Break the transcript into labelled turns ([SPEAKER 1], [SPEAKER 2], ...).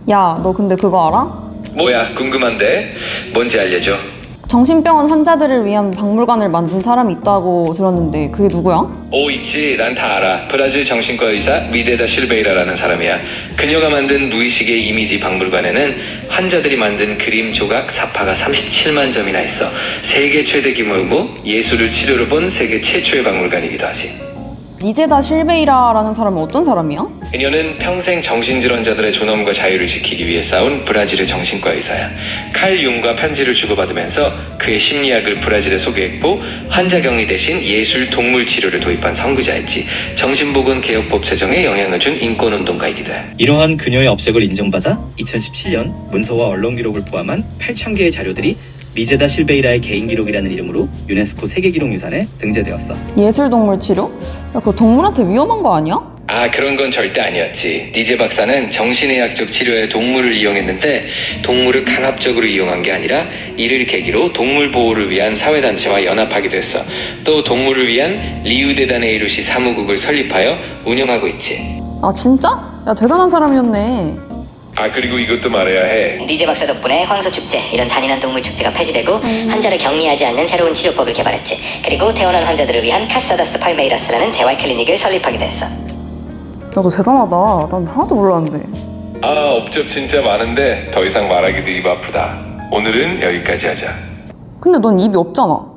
[SPEAKER 1] 야, 너 근데 그거 알아?
[SPEAKER 2] 뭐야, 궁금한데? 뭔지 알려줘.
[SPEAKER 1] 정신병원 환자들을 위한 박물관을 만든 사람이 있다고 들었는데 그게 누구야?
[SPEAKER 2] 오, 있지. 난 다 알아. 브라질 정신과 의사 미데다 실베이라라는 사람이야. 그녀가 만든 무의식의 이미지 박물관에는 환자들이 만든 그림 조각 사파가 37만 점이나 있어. 세계 최대 규모이고 예술을 치료로 본 세계 최초의 박물관이기도 하지.
[SPEAKER 1] 니제다 실베이라라는 사람은 어떤 사람이야?
[SPEAKER 2] 그녀는 평생 정신질환자들의 존엄과 자유를 지키기 위해 싸운 브라질의 정신과 의사야. 칼 융과 편지를 주고받으면서 그의 심리학을 브라질에 소개했고 환자 격리 대신 예술 동물 치료를 도입한 선구자였지. 정신보건 개혁법 제정에 영향을 준 인권운동가이기도 해.
[SPEAKER 3] 이러한 그녀의 업적을 인정받아 2017년 문서와 언론 기록을 포함한 8,000개의 자료들이 미제다 실베이라의 개인 기록이라는 이름으로 유네스코 세계기록유산에 등재되었어.
[SPEAKER 1] 예술동물 치료? 야, 그거 동물한테 위험한 거 아니야?
[SPEAKER 2] 아, 그런 건 절대 아니었지. 니제 박사는 정신의학적 치료에 동물을 이용했는데 동물을 강압적으로 이용한 게 아니라 이를 계기로 동물 보호를 위한 사회단체와 연합하기도 했어. 또 동물을 위한 리우데자네이루시 사무국을 설립하여 운영하고 있지.
[SPEAKER 1] 아, 진짜? 야, 대단한 사람이었네.
[SPEAKER 2] 아, 그리고 이것도 말해야 해.
[SPEAKER 4] 니제 박사 덕분에 황소축제, 이런 잔인한 동물 축제가 폐지되고 환자를 격리하지 않는 새로운 치료법을 개발했지. 그리고 태어난 환자들을 위한 카사다스 팔메이라스라는 재활 클리닉을 설립하기도 했어.
[SPEAKER 1] 야, 너 대단하다. 난 하나도 몰랐는데.
[SPEAKER 2] 아, 업적 진짜 많은데 더 이상 말하기도 입 아프다. 오늘은 여기까지 하자.
[SPEAKER 1] 근데 넌 입이 없잖아.